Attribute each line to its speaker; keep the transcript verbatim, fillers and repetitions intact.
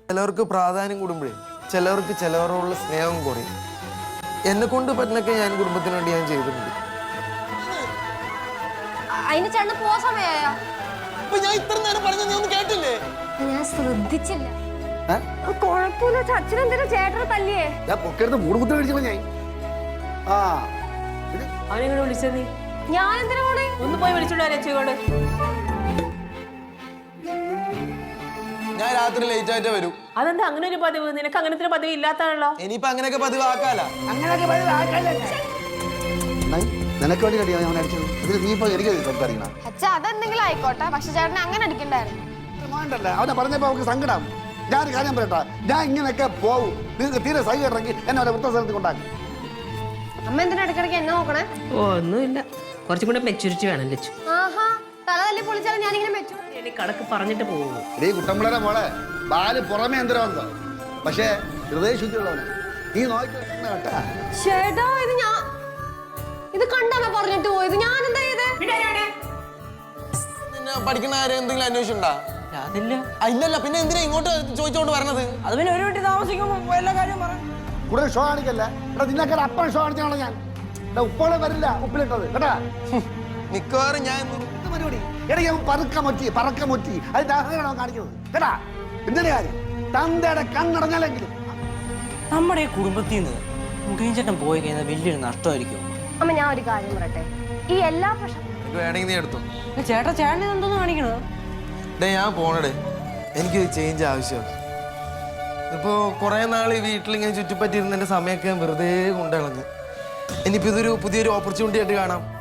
Speaker 1: ചിലവർക്ക് പ്രാധാന്യം കൂടുമ്പോഴേ ചിലവർക്ക് ചിലവരോടുള്ള സ്നേഹം കുറയും. എന്നെ കൊണ്ട് പറ്റുന്നൊക്കെ ഞാൻ കുടുംബത്തിന് വേണ്ടി ഞാൻ ചെയ്തിട്ടുണ്ട്.
Speaker 2: അതിന് ചേട്ടന് പോവാ സമയായോ?
Speaker 1: ഞാൻ ഇത്ര നേരം പറഞ്ഞ നീ ഒന്നും കേട്ടില്ലേ?
Speaker 2: ഞാൻ ശ്രദ്ധിച്ചില്ല. കുഴപ്പമില്ല, അച്ഛനെന്തിനാ ചേട്ടനെ തല്ലിയേ?
Speaker 3: ഞാൻ പൊക്കരുത് മൂട് കുത്തി കഴിച്ചപ്പോ ഞാൻ ആ
Speaker 4: അവനെങ്ങനെ വിളിച്ചത് നീ?
Speaker 2: ഞാൻ എന്തിനാ പോണേ?
Speaker 4: ഒന്ന് പോയി വിളിച്ചോണ്ട് രക്ഷയോട്.
Speaker 1: ഞാൻ രാത്രി ലേറ്റ് ആയിട്ടേ വരൂ.
Speaker 4: അതെന്താ അങ്ങനെ ഒരു പതിവ്? നിനക്ക് അങ്ങനത്തെ ഒരു പതിവ് ഇല്ലാത്താണല്ലോ.
Speaker 1: ഇനിയിപ്പോ അങ്ങനെയൊക്കെ പതിവാക്കാല.
Speaker 3: നിനക്ക് വേണ്ടി കടിയാ ഞാൻ അടിച്ചത്. ഇതിൽ നീ ഇപ്പൊ എനിക്ക് സംസാരിക്കണം.
Speaker 2: അച്ഛാ അതെന്തെങ്കിലും ആയിക്കോട്ടെ, പക്ഷെ ചേട്ടനെ അങ്ങനെ അടിക്കണ്ടായിരുന്നു.
Speaker 3: വേണ്ടല്ലേ, അവനെ പറഞ്ഞപ്പോ അവർക്ക് സങ്കടം. ഞാൻ കാര്യം പറയട്ടാ, ഞാൻ ഇങ്ങനെയൊക്കെ പോവും. നിങ്ങൾക്ക് തീരെ സൈ ഇറങ്ങി എന്നെ അവരെ വൃത്ത സ്ഥലത്ത് കൊണ്ടാക്കി.
Speaker 2: അമ്മ എന്തിനാ ഇടയ്ക്കിടയ്ക്ക് എന്നെ നോക്കണേ?
Speaker 4: ഓ ഒന്നുമില്ല, കുറച്ചും കൂടെ മെച്ചൂരിറ്റി വേണം ലച്ചു.
Speaker 2: ആഹാ, തല തല്ലി പൊളിച്ചാലും ഞാനിങ്ങനെ മെച്ചു.
Speaker 4: എനിക്ക് കണക്ക് പറഞ്ഞിട്ട് പോകുള്ളൂ.
Speaker 3: ഇടീ കുട്ടമ്പിളരെ മോളെ, ബാല് പുറമേ എന്തരവന്തോ, പക്ഷേ ഹൃദയശുദ്ധിയുള്ളവനെ നീ നോക്കി കേട്ടാ.
Speaker 2: ചേട്ടാ ഇത് ഞാൻ ഇത് കണ്ടാ പറഞ്ഞിട്ട് പോയത്. ഞാൻ എന്താ ചെയ്ത്?
Speaker 1: പഠിക്കുന്ന കാര്യം എന്തെങ്കിലും അന്വേഷിച്ചുണ്ടാ?
Speaker 4: അതില്ല.
Speaker 1: ഇല്ലല്ല, പിന്നെ എന്തിനാ ഇങ്ങോട്ട് ചോദിച്ചോണ്ട് വരണത്?
Speaker 4: അത് പിന്നെ ഒരു വീട്ടിൽ താമസിക്കുമ്പോ എല്ലാ കാര്യം പറയാം.
Speaker 3: കൂടുതൽ ഷോ കാണിക്കല്ലേ. എടാ നിന്നൊക്കെ അപ്പം ഷോ കാണിച്ചാണോ ഞാൻ? എടാ ഉപ്പോളെ വരില്ല ഉപ്പിലിട്ടത് കേട്ടാ.
Speaker 1: മിക്കവാറും ഞാൻ
Speaker 3: പരിപാടി ഇടയ്ക്ക് പറക്ക മൊറ്റി പറക്ക മൊറ്റി അതിന്റെ അഹങ്കാരം കാണിക്കുന്നത് കേട്ടാ. എന്തിന്റെ കാര്യം? തന്തയുടെ കണ്ണടഞ്ഞാലെങ്കിലും
Speaker 5: നമ്മുടെ ഈ കുടുംബത്തിൽ നിന്ന് മുഖേൻ ചേട്ടൻ പോയി കഴിഞ്ഞാൽ വലിയൊരു നഷ്ടമായിരിക്കും.
Speaker 2: അമ്മ ഞാൻ ഒരു കാര്യം പറയട്ടെ, ഈ എല്ലാ പ്രശ്നം
Speaker 1: വേണമെങ്കിൽ നീ എടുത്തു.
Speaker 5: ചേട്ടാ ചേട്ടൻ എന്തോന്ന് കാണിക്കണത്?
Speaker 1: ഡേ ഞാൻ പോണടേ, എനിക്ക് ചേഞ്ച് ആവശ്യമാണ്. ഇപ്പോ കുറെ നാൾ ഈ വീട്ടിലിങ്ങനെ ചുറ്റിപ്പറ്റിയിരുന്ന എന്റെ സമയമൊക്കെ വെറുതെ കൊണ്ടിളഞ്ഞു. ഇനിയിപ്പോ ഇതൊരു പുതിയൊരു ഓപ്പർച്യൂണിറ്റി ആയിട്ട് കാണാം.